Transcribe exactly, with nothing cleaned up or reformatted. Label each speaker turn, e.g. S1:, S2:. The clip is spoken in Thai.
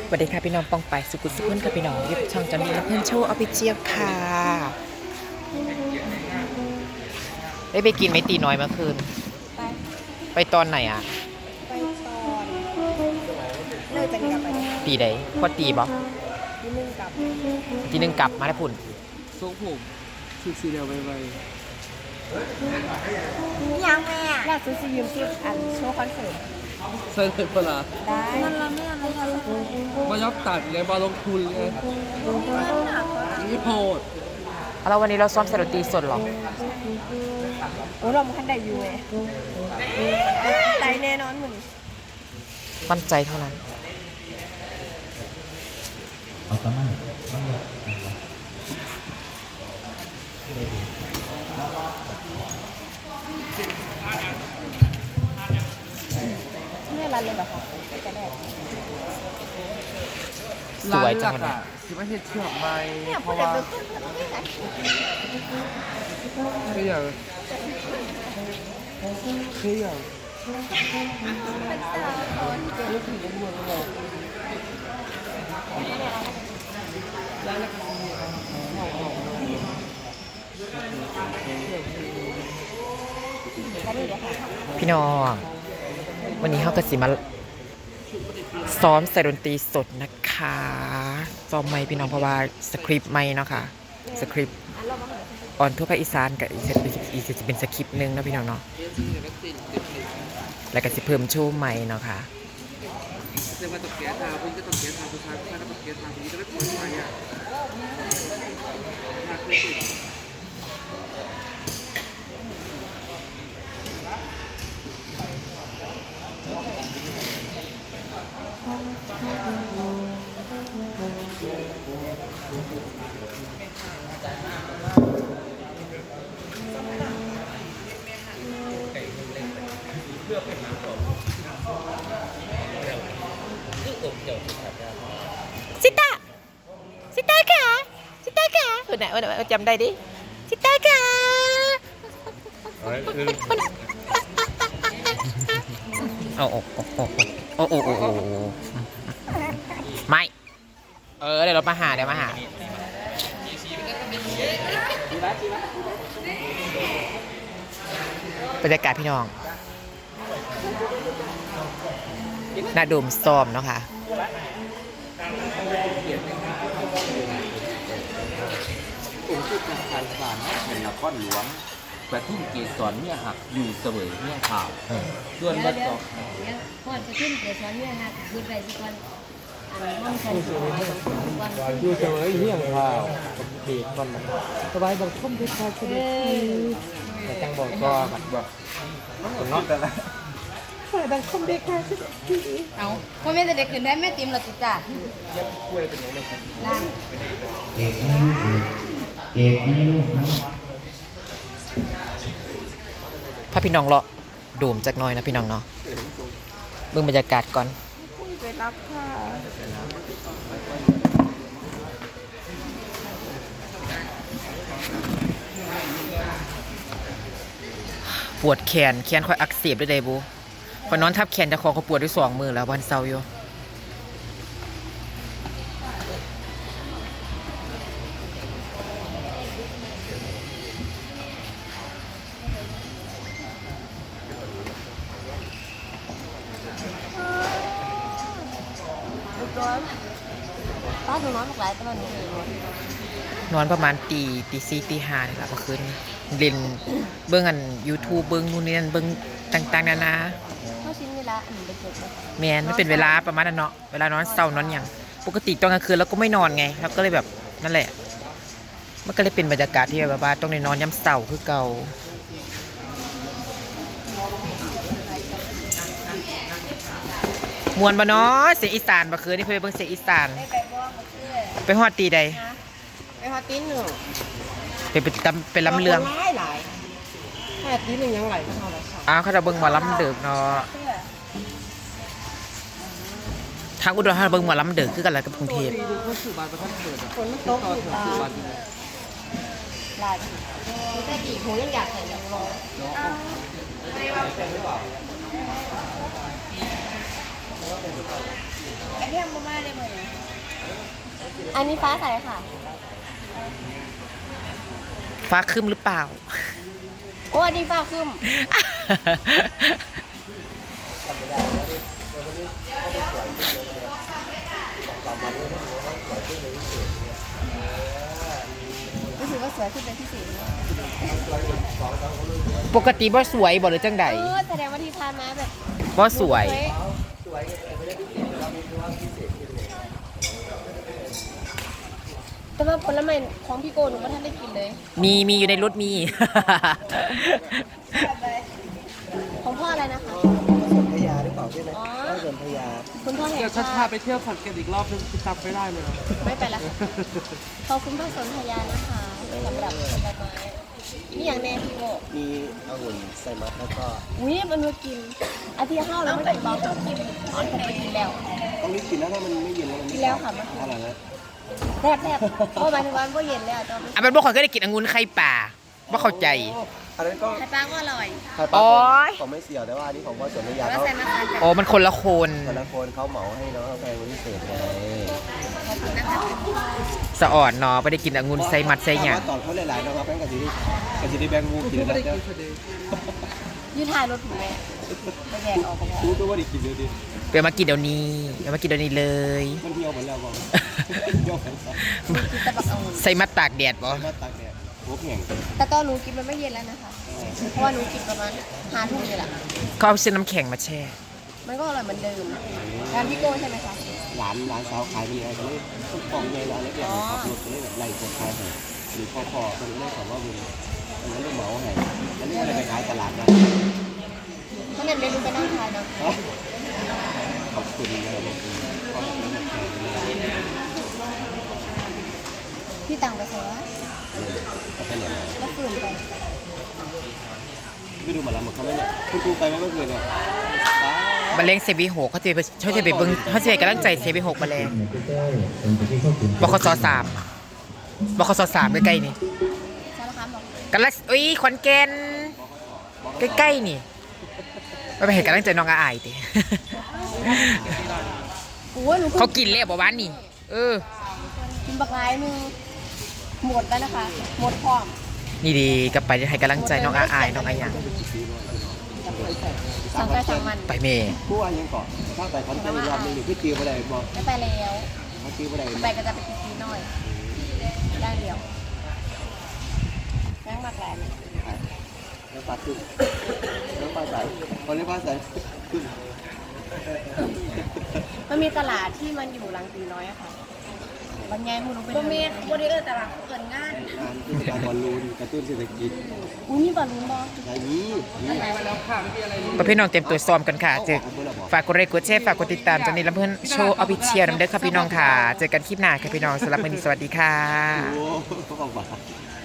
S1: สวัสดีค่ะพี่น้องปองไปสุกุลสุขนค่ะพี่น้องยุบช่องจำดีและเพื่อนโชว์ออฟฟิเชียลค่ะได้ไปกินไหมตีน้อยเมื่อคืน
S2: ไป
S1: ไปตอนไหนอ่ะ
S2: ไปตอนเลิกจากนี้กลับไปได้
S1: ตีใดพอตีบ่
S2: ที่นึ่งกลับ
S1: ทีนึงกลับมาได้พุ่น
S3: ทรงผมชุดสีเดียวไปไป
S2: นี่ยังแม่อยากซื้อซียืมซิอันโชว์คอนเสิร์ต
S3: ใส่เลยเปล่า
S2: ได้นั่นละแม่ไม่ทำ
S3: มายับตัดเลยมาลงทุนเลยนี่โพด
S1: แล้ววันนี้เราซ้อมสดนตรีสดเหรอ
S2: โอ้เราไม่คันได้อยู่เลยใจแน่นอนเหมือน
S1: มั่นใจเท่านั้น
S2: แม่รันเลยแบบค่ะจะได้
S1: สวยจังวัน
S3: อ่ะ
S1: นี้
S3: คิดว่าเห็ดเชือกไหม
S2: เนี่ย
S3: เพ
S2: พูด
S3: ราะ
S2: แต่
S3: ว่า
S2: ตัวต้นไม่ได้
S3: คืออย่างคืออย่าง
S2: เป็นสาวคนเก่ง
S1: พี่น้องวันนี้เขาก็สิมาซ้อมใส่ดนตรีสดนะคะซ้อมไม่พี่น้องเพราะว่าสคริปต์ไม่เนาะค่ะสคริปต์ออนทั่วภาคอีสานกับอีกจะเป็นอีกจะเป็นสคริปต์หนึงเนาะพี่น้องเนาะแล้วก็สิเพิ่มโชว์ใหม่เนาะค่ะ
S3: เรียกว่าตกแก๊สทาคุณก็ตกแก๊สทาผู้ชายผู้ชายก็ตกแก๊สทาคุณก็ไม่ปล่อยไปอ่ะทาเคยติด
S1: ซิต้าซิต้าค่ะซิต้าค่ะเออไหนเออไหนจำได้ดิซิต้าค่ะโอ้โอ้โอ้โอ้โอ้โอ้โอ้โอ้ไม่เออเดี๋ยวเรามาหาเดี๋ยวมาหาบรรยากาศพี่น้องน่าดมซ้อมเนาะค่ะ
S4: องค์ผู้ประธานศาลเป็นนครหลวงประทุ่มเกศรเนี่ยหักอยู่เสวยเนี่ยข่าวส่วนบัดต่อ
S5: ก่อนจะขึ้นเกสรเนี่ยนะคือไปสิก่อนอันห้องกันสวยก่อน
S3: อยู่เสมอเฮี้ยงข่าวเขตก่อนสบายบอกท่มด้วยชายช
S5: เอ
S3: นิด
S5: อ
S3: แต่จังบอกก็แบบบอกเนาะแต่ละ
S5: เอาพ่อแม่จะเด็กขึ้นได้แม่ติมเราติดจ้านั่น
S6: เอกไม่ลูกเอกไม่ลูกนะ
S1: ถ้าพี่น้องเลาะโดมจักหน้อยนะพี่น้องเนาะเบิ่งบรรยากาศก่อน
S2: ไปรับค่ะ
S1: ปวดแขนแขนค่อยอักเสบด้วยเดบูพอนอนทับแขนจะคอเขาปวดด้วยสองมือแล้ววันเสาร์อยู่
S2: ป้าหนูน้อยมากหลายตอนนี้
S1: นอนประมาณตีตีสี่ตีห้านี่แหละเมื่อคืนนี้เล่นเบิ่งอัน YouTube เบิ่งนู่นนี่นั่นเบิ่งต่างๆนานา
S2: เข้าชิ้นเวลาอันนี้ไปเก็บเลย
S1: แมนไม่เป็นเวลาประมาณนั้นเนาะเวลานอนเศร้านอนอย่างปกติตอนกลางคืนเราก็ไม่นอนไงแล้วก็เลยแบบนั่นแหละ มันก็เลยเป็นบรรยากาศที่แบบว่าต้องได้นอนย้ำเศร้าคือเก่ามวนบ่เนาะเสียงอีสานบ่คืนนี่เพิ่นไปเบิ่งเสียงอีสาน
S2: ไปไปบ้องมาเชื่อ
S1: ไปฮอดตีใด
S2: นะไปฮอตติ้นหนึ่ง
S1: ไปไปตำไปลำเลือง
S2: หลายหลายแค่ติ้นหนึ่งยังไหลก็เท่าไหร่ค่ะ
S1: อ้าวเขาจะเบิ่งหมอลำเดึกเนาะ
S2: เชื่อ
S1: ทางอุดรเขาเบิ่งหมอลำเดึกคือกันแหละกับกรุงเทพ
S3: ปีดูเขาสื่อบานประทับเกิดอ่ะ
S2: ฝนมันตกอยู่ตา
S3: สื่อบาน
S2: หลายมีแต่กี่หูยังอยากใส่ยังรอ
S5: เรียกมาได้ไหม
S2: อันนี้ฟ้าใสค่ะ
S1: ฟ้าครึ้มหรือเปล่า
S2: โอ้อันนี้ฟ้าขึ้นรู้สึกว่าสวยขึ้นเป็นพิเศษเลย
S1: ปกติบ่สวยบ่หรือจังใด
S2: เออแสดงว่าที่ผ่านมาแบบ
S1: บ่สวย
S2: แต่ว่าผลไม้ของพี่โกหนูไม่ทันได้กินเลย
S1: มีมีอยู่ในรถมี
S2: ของพ่ออะไรนะคะ
S3: พยาหรือเปล่าใช่ไหม
S2: อ๋อ
S3: สวนพยา
S2: คุณพ่อแห่ง
S3: เดี๋ยวชัด
S2: ชา
S3: พา
S2: ติ
S3: ไปเที่ยวขอนแก่นอีกรอบนึงจำไม่ได้เลยนะ
S2: ไม่ไปแล้วค่ะขอบคุณพ่อสนธยานะคะสำหรับผลไม้นี่อย่างแน่พี่โก
S3: มีองุ่นไซมัสแล้วก็
S2: อุ้ยมันมากินอาทิตย์ห้าแล้วไม่กินบ้างต้องกินอ๋อผมไปกินแล้ว
S3: ต้องรีบกินนะถ้ามันไม่เย็นแล้วมัน
S2: กินแล้วค่ะมัน
S3: อะไรนะ
S2: แซ่บแซ่บเพราะหมายถึงว่ามันเย็นแล้วจะ
S1: อ่ะมันบ่ค่อยก็ได้กินองุ่นไข่ป่าบ่เข้าใจ
S3: อันนั้นก็
S2: ไข่ปลาก็อร่อย
S3: ไข่ป
S1: โอ๊
S3: ลาย ของไม่เสี่ยวแต่ว่าอันนี้ของพ่อสวนพยา
S2: แล้ว
S3: เขา
S2: ใส่มะขามกับ
S1: โอ้มันคนละคน
S3: แต่ละคนเขาเหมาให้น้องแพงวันพิเศษไง
S2: ขอบคุณนะคะ
S1: สะอ่อนเนาะไม่ได้กินองุ่นใส่มัดใส่หยัง
S3: ถ้าว่าตอนเขาหลายๆนะครับแพงกับจีนี่กับจีนี่แบงค์วูกินแล้วจะ
S2: ยืดถ่ายรถถูกไหมไปแดกออกไปแล้ว
S3: รู้ตัวว่าได้กินเลยดิ
S1: เดี๋ยวมากินเดี๋ยวนี้เดี๋ยวมากินเดี๋ยวนี้เลย
S3: มันเที่ยวหมดแล้วบอกเที่ยวหมดแล้ว
S2: กินแต่บักองุ่น
S1: ใส่มัดตากแดดบ่
S3: มาตากแดดโอ้แข็ง
S2: แต่ตอนหนูกินมันไม่เย็นแล้วนะคะ เพราะว่าหนูกินประมาณห้าทุ่มนี่แหละ
S1: เขาเอาเส้นน้ำแข็งมาแช่
S2: มันก็อร่อยเหมือนเดิมงานพี่โก้ใช่ไหมคะ
S3: หลานหลานสาวขายเป็นยังไงกันเลยกล่องใหญ่ร้านเล็กๆขับรถไปเลยแบบไล่คนขายให้หรือพอพอคนนี้ขอว่าบุญอันนั้นลูกเหมาให้อันนี้อะไรไปขายตลาดนะ
S2: ถ้างั้นเดี๋ยวหนูไปนั่งทานนะ
S3: ขอบคุณนะครับขอบคุณขอบคุณนะครับ
S2: พี่ตังไปใส่วะ
S3: ขอบคุณอย่างไร
S2: แล้วฝืนไป
S3: ไม่ดูหมาแล้วหมดเขาไม่เนี่ยคุณครูไปไหมเมื่อคืนเนี่ย
S1: มาเล้งเซบีหกเขาจะไปเขาจะไปเบิ้งเขาจะไปกำลังใจเซบีหกมาแรงบคสสามบคสสามใกล้ๆนี่
S2: สารคามบอก
S1: กำลังอุ้ยขอนแก่นใกล้ๆนี่ไปไปเห็นกำลังใจน้องอาอายติ
S2: โอ้ยหนู
S1: เขากินแล้วบ่วานนี่เออ
S2: กินบักร้ายมือหมดแล้วนะคะ หมดพร้อม
S1: นี่ดีกลับไปให้กำลังใจน้องอาอายน้องอาหยัง
S2: สั่งไปสั่งมัน
S1: ไปเมย์
S3: ผู้ว่ายังเกาะถ้าไปคอนเทนต์รอบนึงอยู่ที่จีบอะไรบอก
S2: ไม่ไปแล้ว
S3: เขาจีบอะไร
S2: ไปก็จะไปกินซีน้อยได้เดียวแม่งมากแหลม
S3: น้ำปลาขึ้นน้ำปลาใสคนนี้ปลาใสขึ้น
S2: มันมีตลาดที่มันอยู่หลังตีน้อยอะค่ะบางไงมูรู้เป็นบางเมฆบริเออร์ตลาดเกินงาน
S3: งานที่การบอลลูนกระตุ้นเศรษฐกิจ
S2: อุ้ยนี่บอลลูนบอล
S3: อะไรนี้นี่
S1: ประเภทน้องเต็มตัวซ้อมกันค่ะเจอฝากกดไลค์กดแชร์ฝากกดติดตามจนนี้ลำเพื่อนโชว์ออฟฟิเชียลนำเด้อค่ะพี่น้องค่ะ เจอกันคลิปหน้าค่ะพี่น้องสำหรับวันนี้สวัสดีค่ะ
S3: โอ้โห